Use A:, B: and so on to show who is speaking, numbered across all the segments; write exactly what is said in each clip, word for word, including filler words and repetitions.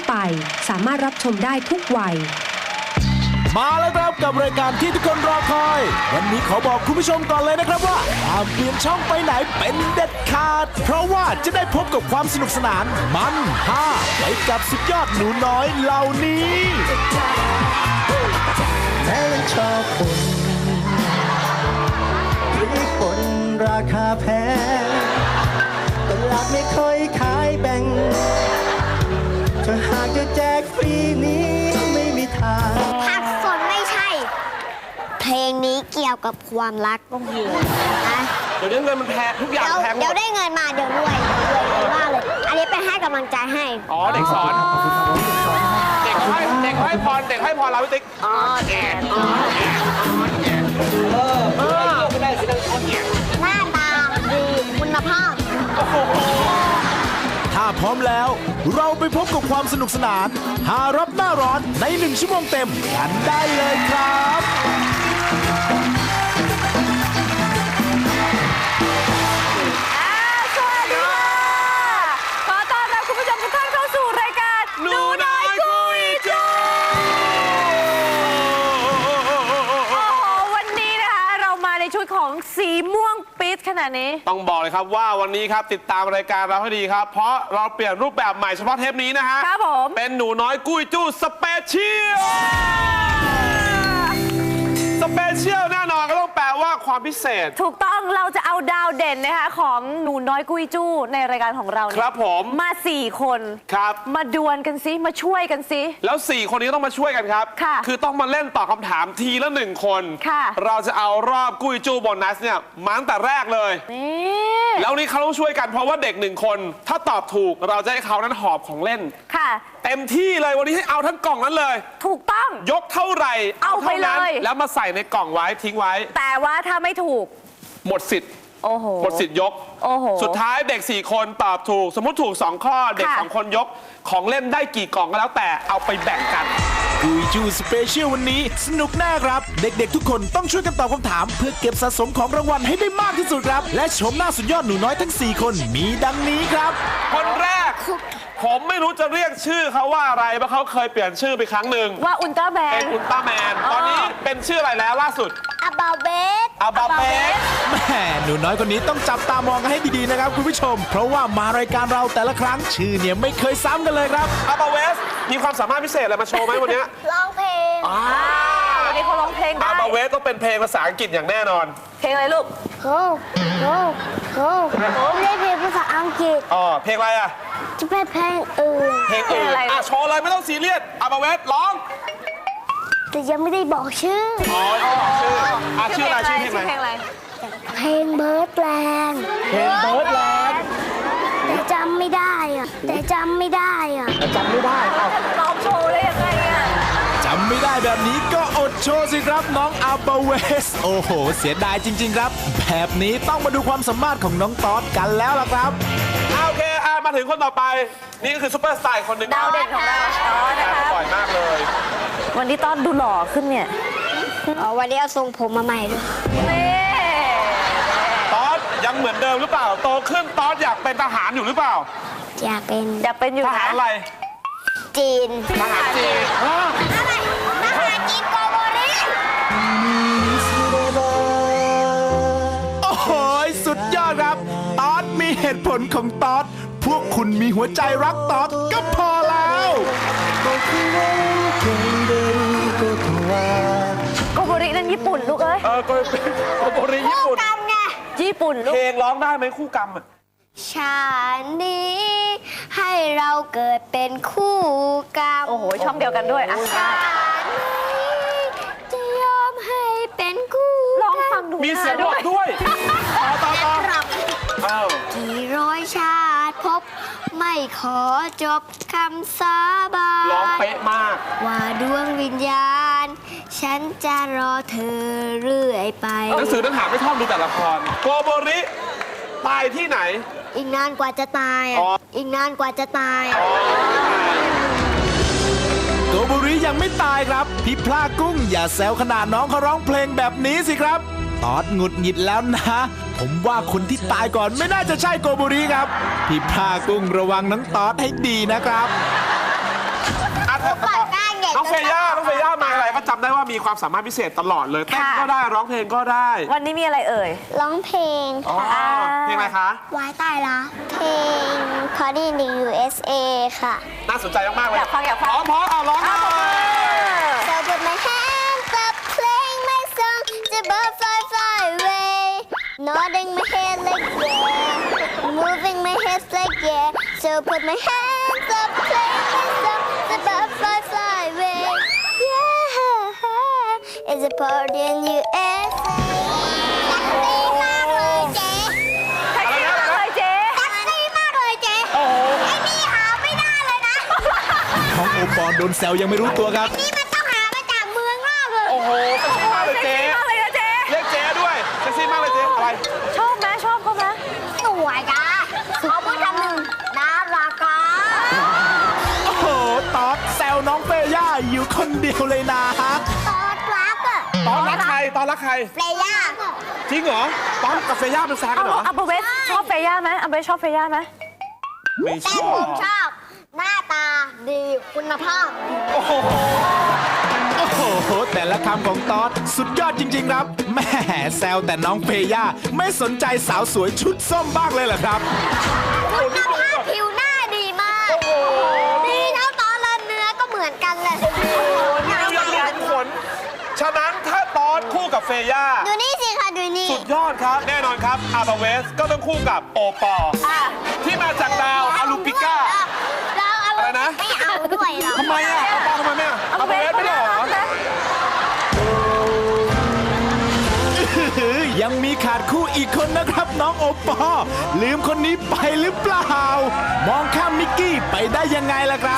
A: ไปสามารถรับชมได้ทุกวัย
B: มาแล้วครับกับรายการที่ทุกคนรอคอย วันนี้ขอบอกคุณผู้ชมก่อนเลยนะครับว่าห้ามเปลี่ยนช่องไปไหนเป็นเด็ดขาดเพราะว่าจะได้พบกับความสนุกสนานมันฮ่าไปกับสุดยอดหนูน้อยเหล่านี้
C: แม้ยังชอบฝุ่นหรือฝุ่นราคาแพงตลาดไม่ค่อยขายแบ่งถ้าหากจะแจกฟรีนี้ไม่มีทาง
D: ผักสดไม่ใช่เพลงนี้เกี่ยวกับความรักก็เหี้ยนะ
E: เดี๋ยวนี้เงินมันแพงทุกอย่างแพงหมด
D: เดี๋ยวได้เงินมาเดี๋ยวรวยเดี๋ยวรวยมากเลยอันนี้เป็นให้กำลังใจให้
E: อ๋อเด็กสอนเด็กเขาให้เด็กเขาให้พรเด็กให้พรเราพี่ติ๊กอ๋อแอนอ๋อแอนอ๋อแอนเออเออไม่ได้สินั่งอ๋อแอน
D: หน้าตาดีคุณภาพ
B: ถ้าพร้อมแล้วเราไปพบกับความสนุกสนานหารับหน้าร้อนในหนึ่งชั่วโมงเต็มกันได้เลยครับ
F: สวัสดีค่ะขอต้อนรับคุณผู้ชมทุกท่านเข้าสู่รายการหนูน้อยคุยจูโอ้โหวันนี้นะคะเรามาในชุดของสีม่วงปิดขนาดนี้
E: ต้องบอกเลยครับว่าวันนี้ครับติดตามรายการเราให้ดีครับเพราะเราเปลี่ยนรูปแบบใหม่เฉพาะเทปนี้นะฮะ
F: ครับผม
E: เป็นหนูน้อยกุ้ยจู้สเปเชียลสเปเชียลแน่นอนก็ต้องแปลว่าความพิเศษ
F: ถูกต้องเราจะเอาดาวเด่นนะคะของหนูน้อยกุ้ยจู้ในรายการของเราเนี่ย
E: ครับผม
F: มาสี่คน
E: ครับ
F: มาดวลกันซิมาช่วยกันซิ
E: แล้วสี่คนนี้ต้องมาช่วยกันครับ
F: ค่ะ
E: คือต้องมาเล่นตอบคำถามทีละหนึ่งคน
F: ค่ะ
E: เราจะเอารอบกุ้ยจู้โบนัสเนี่ยมาตั้งแต่แรกเลย
F: นี่
E: แล้วนี้เขาต้องช่วยกันเพราะว่าเด็กหนึ่งคนถ้าตอบถูกเราจะให้เขานั้นหอบของเล่น
F: ค่ะ
E: เต็มที่เลยวันนี้ให้เอาทั้งกล่องนั้นเลย
F: ถูกต้อง
E: ยกเท่าไหร่
F: เอาไปเลย
E: แล้วมาใส่ในกล่องไว้ทิ้งไว้
F: แต่ว่าถ้าไม่ถูก
E: หมดสิทธิ์
F: โอ้โห
E: หมดสิทธิ์ยก
F: โอ้โห
E: สุดท้ายเด็กสี่คนตอบถูกสมมติถูกสองข้อเด็กสองคนยกของเล่นได้กี่กล่องก็แล้วแต่เอาไปแบ่งกัน
B: กุยจูสเปเชียลวันนี้สนุกแน่ครับเด็กๆทุกคนต้องช่วยกันตอบคำถามเพื่อเก็บสะสมของรางวัลให้ได้มากที่สุดครับและชมหน้าสุดยอดหนูน้อยทั้งสี่คนมีดังนี้ครับ
E: คนแรกผมไม่รู้จะเรียกชื่อเขาว่าอะไรเพราะเขาเคยเปลี่ยนชื่อไปครั้งหนึ่ง
F: ว่าอุลตร้าแมน
E: เป็นอุลตร้าแมนตอนนี้เป็นชื่ออะไรแล้วล่าสุด
D: อาบาเบส
E: อาบาเบส
B: แม่หนูน้อยคนนี้ต้องจับตามองกันให้ดีๆนะครับคุณผู้ชมเพราะว่ามารายการเราแต่ละครั้งชื่อเนี่ยไม่เคยซ้ำกันเลยครับ
E: อาบาเบสมีความสามารถพิเศษอะไรมาโชว์ไหมวันนี้
D: ร้องเพลง
F: วันนี้เขาร้องเพลงได้
E: อาบาเวสต้องเป็นเพลงภาษาอังกฤษอย่างแน่นอน
F: เพลงอะไรลูก
D: โอ้โหโอ้โหไม่ได้เพลงภาษาอังกฤษ
E: อ๋อเพลงอะไรอ่ะ
D: จะเป็นเพลงอื่น
E: เพลงอื่นอ่ะโชว์เลยไม่ต้องซีเรียสอาบาเวสร้อง
D: แต่ยังไม่ได้บอกชื่อ
E: อ๋อยังไม่บอกชื่ออ่ะชื่ออะไรชื่อเพลงอะไร
D: เพลงเบิร์ดแลนด์
E: เพลงเบิร์ดแลนด์
D: แต่จำไม่ได้อ่ะแต่จำไม่ได้อ่ะ
E: แต่จำไม่ได้
F: จะร้องโชว์ได้ยังไงอ่ะ
B: จำไม่ได้แบบนี้ก็อดโชว์สิครับน้องอาบาเวสโอ้โหเสียดายจริงๆครับแบบนี้ต้องมาดูความสามารถของน้องต๊อดกันแล้วล่ะครับ
E: โอเคอ่ะมาถึงคนต่อไปนี่คือซุปเปอร์สตาร์คนหนึ่ง
F: ดาวเด่นของเราต๊อดนะคะ
E: บ่อยมากเลย
F: วันนี้ต๊อดดูหล่อขึ้นเนี่ย
D: อ๋อวันนี้เอาทรงผมมาใหม่ด้วย
E: ต๊อดยังเหมือนเดิมหรือเปล่าโตขึ้นต๊อดอยากเป็นทหารอยู่หรือเปล่า
D: อยากเป็น
F: อยากเป็นอยู่
E: ทหารอะไร
D: จีน
E: ทหารจีน
D: อะไรทหารจีนโกโบริ
B: โอ้โหสุดยอดครับต๊อดมีเหตุผลของต๊อดพวกคุณมีหัวใจรักต๊อดก็พอแล้ว
F: โกโบรินั่นญี่ปุ่นลูกเอ้ย
E: เออโกโบริญี่ปุ่น
D: คู่กรรมไง
F: ญี่ปุ่นลูก
E: เพลงร้องได้ไหมคู่กรรมอ่ะ
D: ชาตินี้ให้เราเกิดเป็นคู่กรรม
F: โอ้โหช่องเดียวกันด้วยอ่ะ
D: ชาตินี้จะยอมให้เป็นคู่
F: ร้องฟังดู
E: มีเสียงด้วยด้วยต่อต่อต่อ
D: กี่ร้อยชาติพบไม่ขอจบคำสาบาน
E: ร้องเป๊ะมาก
D: ว่าดวงวิญญาณฉันจะรอเธอเรื่อยไป
E: หนังสือหนังหาไม่ชอบดูแต่ละครโกโบริตายที่ไหน
D: อีกนานกว่าจะตายอ่ะอีกนานกว่าจะตาย
B: โกโบริยังไม่ตายครับพี่พลากุ้งอย่าแซวขนาดน้องเขาร้องเพลงแบบนี้สิครับตอดหงุดหงิดแล้วนะผมว่าคนที่ตายก่อนไม่น่าจะใช่โกโบริครับพี่พลากุ้งระวังน้องตอดให้ดีนะครับ
D: ปากกล้าใหญ่
E: น้องเฟย่าน้องเฟย่ามาอะไรก็จำได้ว่ามีความสามารถพิเศษตลอดเลยเต้นก็ได้ร้องเพลงก็ได้
F: วันนี้มีอะไรเอ่ย
D: ร้องเพลง
E: อ๋อเพลงอะไรคะ
D: วายตายละเพลง Party in the ยู เอส เอ ค่ะ
E: น่าสนใจมากๆเลย
F: อยากฟังอยากฟัง
E: พร้อมพร้อมเอาร้องเลย
D: So put my hands up playing my song to bird fly fly away nodding my head like yeah moving my head like yeah so put my hands up playing my song to bird fly fly away yeah it's a party in ยู เอส เอ แท็กซี่มากเลยเจ๊
F: แท็กซี่มากเลยเจ๊
D: แท็กซี่มากเลยเจ๊ไอ้นี่หาไม่ได้เลยนะ
B: น้องโอปอลโดนแซวยังไม่รู้ตัวครับ
D: นี่มันต้องหามาจากเมืองนอกเลย
E: โอ้โหเซ็กซี่มากเลยเจ๊
F: มากเลยนะเจ๊
E: เรียกเจ๊ด้วยเซ็กซี่มากเลยเจ๊อะไร
F: ชอบไหมชอบเขาไหม
D: สวยจ้าเขาพูดคำหนึ่งน่ารักอ่ะ
B: โอ้โหตอดแซวน้องเฟย่าอยู่คนเดียวเลยนะฮะ
D: ตอดรักอ่ะ
E: ตอนรักใครตอนรักใคร
D: เฟย่า
E: จริงเหรอตอนกับเฟย่าเป็นแฟนกั
F: เอา
E: นเหรอ
F: อัปเปอร์เวสชอบเฟย่าไหมอัปเปอร์เวสชอบเฟย่าไหม
E: ไม่ช
D: แต่
E: อ
D: ผ
E: บ
D: มชอบ หน้าตาดีคุณภาพ
E: โอ้โห
B: โอ้โห แต่ละคำของตอดสุดยอดจริง ๆ ครับแหม่แซวแต่น้องเฟย่าไม่สนใจสาวสวยชุดส้มบ้างเลยเหรอครับ
D: คุณภาพผิวหน้าดีมาก ดีเท่าตอนละเนื้อก็เหมือนกันเลย
E: นี่เรียกเหตุผลฉะนั้นถ้าตอนคู่กับเฟย่า
D: ดูนี่สิค่ะดูนี่
E: สุดยอดครับ แน่นอนครับอาร์บาเวสก็ต้องคู่กับโอปอล์ที่มาจากดาวอาลูปิก้า
D: เราเอา
E: อะไรนะ
D: ไม่เอาด้วยเหรอ
E: ทำไมอ่ะโอปอล์ทำไมไม่อ่ะอาร์บาเวสไม่ได้เหรอ
B: ยังมีขาดคู่อีกคนนะครับน้องโอปอล์ลืมคนนี้ไปหรือเปล่า มองข้ามมิกกี้ไปได้ยังไงล่ะครับ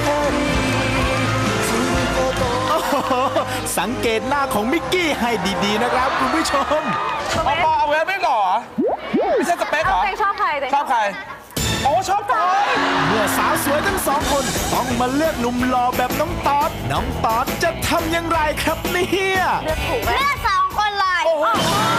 B: โอ้โหสังเกตหน้าของมิกกี้ให้ดีๆนะครับคุณผู้ชม
E: โอปอล์อาร์บาเวสไม่หล่อไม่ใช่สเปคเหรอ
F: เต็งชอบใครเต็ง
E: ชอบใครโอ้ชอบตอน
B: เมื่อสาวสวยทั้งสองคนต้องมาเลือกหนุ่มหล่อแบบน้องตอดน้องตอดจะทำอย่างไรครับเนี่ย
F: เลือกถูกไหม
D: เลือกสองคนเลย
E: โอ้โห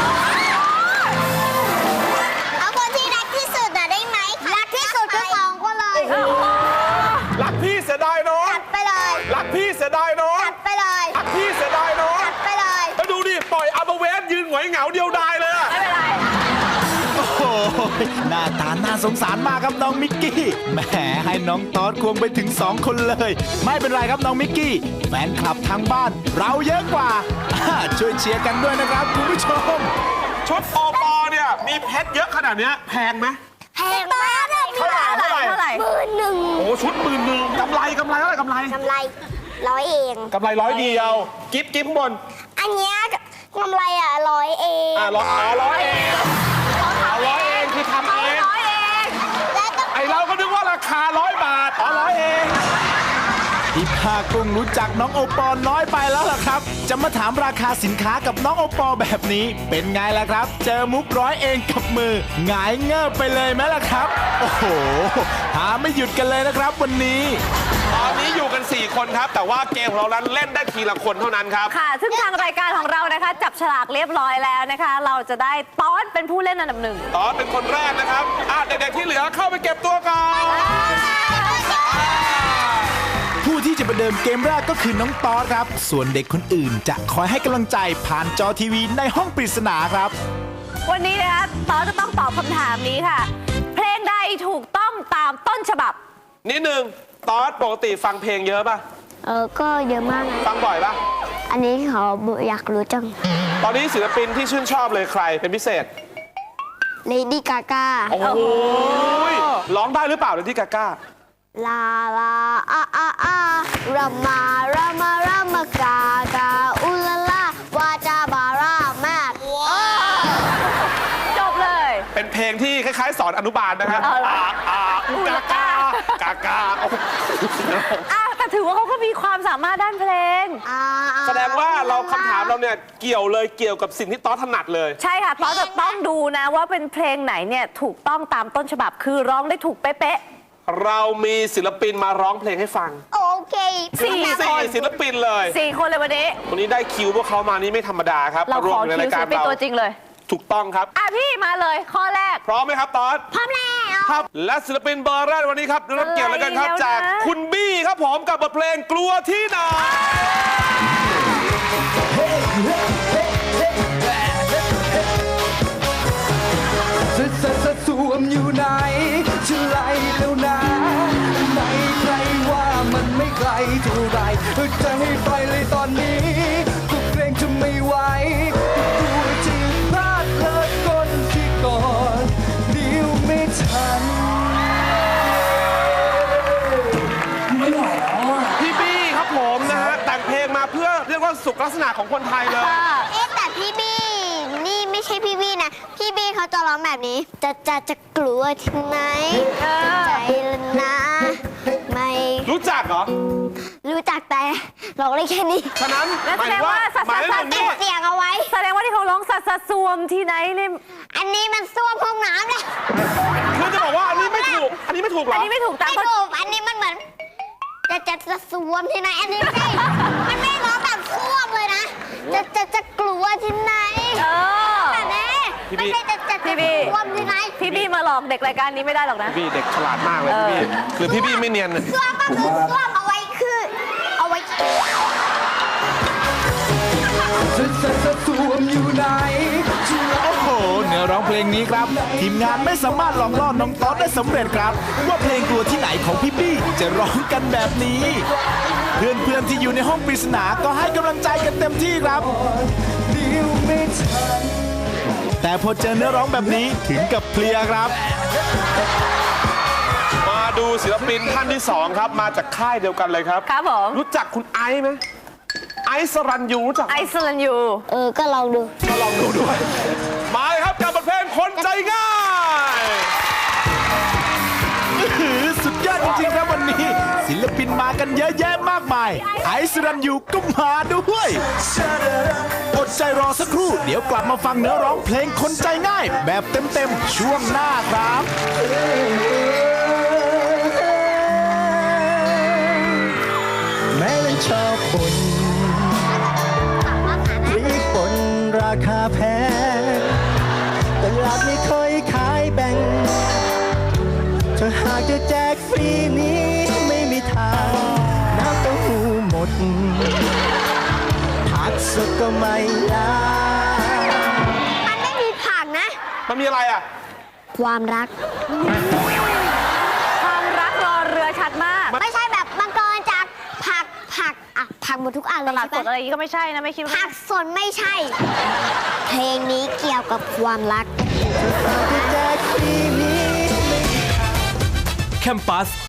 D: เอาคนที่รักที่สุดน่ะได้ไหมรักที่สุดก็สองคนเลย
E: รักพี่เสียดายน้อง
D: จัดไปเลย
E: รักพี่เสียดายน้อง
D: จัดไปเลย
E: รักพี่เสียดายน้อง
D: จัดไปเลย
E: แล้วดูดิปล่อยอาร์บาเวสยืนหงอยเหงาเดียวดายเลยอะ
F: ไม่เป็นไร
B: โอ้โหหน้าตาน่าสงสารมากครับน้องมิกกี้แหมให้น้องตอดควงไปถึงสองคนเลย ไม่เป็นไรครับน้องมิกกี้แฟนคลับทางบ้าน เราเยอะกว่าอ่าช่วยเชียร์กันด้วยนะครับคุณผู้ชม
E: ชุดโอปอเนี่ยมีเพชรเยอะขนาดเนี้ยแพงไหม
D: แพงมากเลยมี
E: เท่าไหร่
F: เท่าไหร่เท่าไหร่
D: หมื่นหนึ่ง
E: โอ้ชุดหมื่นหนึ่งกำไรกำไรเท่าไหร่กำไร
D: กำไรร้อยเอง
E: กำไรร้อยเดียว กิฟต์กิฟต์ข้างบน
D: อันเนี้ยกำไรอ่ะร้อยเอง
E: อ่าร้อยอ๋อร้อยเองเอาร้อยเองคือทำเอง
F: ร้อยเอง
D: และต้อง
E: ไอเราก็นึกว่าราคาร้อยบาทอ๋อร้อยเอง
B: ที่ภาคกุ้งรู้จักน้องโอปอลน้อยไปแล้วล่ะครับ จะมาถามราคาสินค้ากับน้องโอปอลแบบนี้ เป็นไงล่ะครับ เจอมุกร้อยเองกับมือหงายเงิบไปเลยไหมล่ะครับ โอ้โหหาไม่หยุดกันเลยนะครับวันนี้
E: ตอนนี้อยู่กัน สี่ คนครับ แต่ว่าเกมของเรานั้นเล่นได้ทีละคนเท่านั้นครับ
F: ค่ะ ซึ่งทางรายการของเรานะคะ จับฉลากเรียบร้อยแล้วนะคะ เราจะได้ต้อนเป็นผู้เล่นอันดับหนึ่ง
E: ตอนเป็นคนแรกนะครับอ่ะเด็กๆที่เหลือเข้าไปเก็บตัวก่อน
B: ผู้ที่จะประเดิมเกมแรกก็คือน้องตอสครับ ส่วนเด็กคนอื่นจะคอยให้กำลังใจผ่านจอทีวีในห้องปริศนาครับ
F: วันนี้นะคะต้อนจะต้องตอบคำถามนี้ค่ะ เพลงใดถูกต้องตามต้นฉบับ
E: นิดนึงตอนปกติฟังเพลงเยอะป่ะ
D: เออก็เยอะมากนะ
E: ฟังบ่อยป่ะ
D: อันนี้เขาอยากรู้จัง
E: ตอนนี้ศิลปินที่ชื่นชอบเลยใครเป็นพิเศษ
D: เลดี้กาก้า
E: โอ้โหร้องได้หรือเปล่าเลยที่กาก้า
D: ลาลาอาอาอารามารามารามากากาอุลาลาวาจาบาราแมท
F: จบเลย
E: เป็นเพลงที่คล้ายๆ สอนอนุบาลนะครับ
F: เอาเหรอ
E: อาอาอุกากากากาโอ้โห
F: อ่ะแต่ถือว่าเขาก็มีความสามารถด้านเพลง
E: แสดงว่าเราคำถามเราเนี่ยเกี่ยวเลยเกี่ยวกับสิ่งที่ต๊อดถนัดเลย
F: ใช่ค่ะต้อนจะต้องดูนะว่าเป็นเพลงไหนเนี่ยถูกต้องตามต้นฉบับ คือร้องได้ถูกเป๊ะ
E: เรามีศิลปินมาร้องเพลงให้ฟัง
D: โอเค
F: สี่
E: สี่ศิลปินเลย
F: ๆสี่คนเลยวันนี้
E: วันนี้ได้คิวพวกเขามานี่ไม่ธรรมดาครับ
F: เรา
E: มว
F: ข
E: ม
F: อ
E: ใน
F: คิ
E: รา
F: วย ศิ
E: การ
F: ลปิน
E: เรา
F: ตัวจริงเลย
E: ถูกต้องครับ
F: อ่ะพี่มาเลยข้อแรก
E: พร้อมไหมครับตอน
D: พร้อมแล้ว
E: ครับและศิลปินเบอร์แรกวันนี้ครับได้รับเกียรติแล้วกันครับ
F: อะไรแล้วนะ
E: จากคุณบี้ครับผมกับบทเพลงกลัวที่ไหน
C: จะจะจะสวมอยู่ไหนจะไล่แล้วนะไม่ใครว่ามันไม่ไกลเท่าไรจะให้ไปเลยตอนนี้ก็เกรงจะไม่ไหวก็กลัวจะพลาดเลิกคนที่ก่อนเดียวไม่ทัน
E: พี่บี้ครับผมนะฮะแต่งเพลงมาเพื่อเรียกว่าสุขลักษณะของคนไทยเลย
D: เอ๊ะแต่พี่บี้นี่ไม่ใช่พี่บี้นะ พี่บี้เขาจะร้องแบบนี้ จะจะจะกลัวที่ไหนใจละนะ ไม่
E: รู้จักเหรอ
D: รู้จักแต่ร้องได้แค่นี้
E: ฉะนั้น
F: แล้ว
E: ห
F: แส
E: มาย
F: ด
E: ถึ
F: ง
E: งว่า
F: ว่าสัตว์
E: หมาย
F: สั
E: ถึ
F: ต
E: ง
F: ว์
E: นี่
D: เสียงเอาไว้
F: แสดงว่าที่เขาร้องสัตว์สัตว์สวมที่ไหนเนี่ย
D: อันนี้มันส้วมห้องน้ำเลย
E: คือจะบอกว่าอันนี้ไม่ถูก อันนี้ไม่ถูกเหร
F: อัน
E: อ
F: นี้ไม่ถูกตาม
D: ไม่ถูกอันนี้มันเหมือน จะจะจะสวมที่ไหน อันนี้ไม่ใช่มันไม่ร้องแบบส้วมเลยนะ จะจะจะกลัวที่ไหน
F: เออ
D: แต่แน่ไม่ใช่จะจะ
F: พี่
D: จะ
F: บี้
D: สวมที่ไหน
F: พี่บี้มาหลอกเด็กรายการนี้ไม่ได้หรอกนะ
E: พี่เด็กฉลาดมากเลยพี่บี้คือพี่บี้ไม่เนียน
D: ส้วมก็คือส้วมเอาไว้คือ เอาไว้
C: จะจะจะสวมอยู่ไหนจะไล่
B: โอ้โห เนื้อร้องเพลงนี้ครับ ทีมงานไม่สามารถหลอกล่อน้องต๊อดได้สำเร็จครับ ว่าเพลงกลัวที่ไหนของพี่บี้จะร้องกันแบบนี้ เพื่อนๆที่อยู่ในห้องปริศนาก็ให้กำลังใจกันเต็มที่ครับ
C: เดียวไม่ทัน
B: แต่พอเจอเนื้อร้องแบบนี้ถึงกับเพลียครับ
E: มาดูศิลปินท่านที่สองครับ มาจากค่ายเดียวกันเลยครับ
F: ครับผม
E: รู้จักคุณไอซ์ไหมไอซ์สรัญยูรู้จักไหม
F: ไอซ์แลนด์ยู
D: เออ ก็ลองดู
E: ก็ลองดูด้วย มาเลยครับกับบทเพลงคนใจง่าย
B: อื้อหือสุดยอดจริงๆครับวันนี้ ศิลปินมากันเยอะแยะมากมาย ไอซ์รันยูก็มาด้วย อดใจรอสักครู่ เดี๋ยวกลับมาฟังเนื้อร้องเพลงคนใจง่าย แบบเต็มๆ ช่วงหน้าครับ
C: แม้มันชอบบ่นพริกป่นราคาแพงตลาดไม่ค่อยขายแบ่งถ้าหากจะแจกฟรีนี้ไม่มีทางน้ำเต้าหู้หมดผักสดก็ไม่ลา
D: มันไม่มีผักนะ
E: มันมีอะไรอ่ะ
D: ความรัก
F: ความรักรอเรือชัดมาก
D: ไม่ใช่แบบมังกรจากผักผักอ่ะผักหมดทุกอันเล
F: ต
D: ย
F: ลาดส
D: ใช่
F: ด
D: ปะ
F: อะไรอย่างงี้ก็ไม่ใช่นะไม่คิดว่า
D: ผักสดไม่ใช่ เพลงนี้เกี่ยวกับความรัก
C: จะแจกฟรีนี้
G: แคมปัส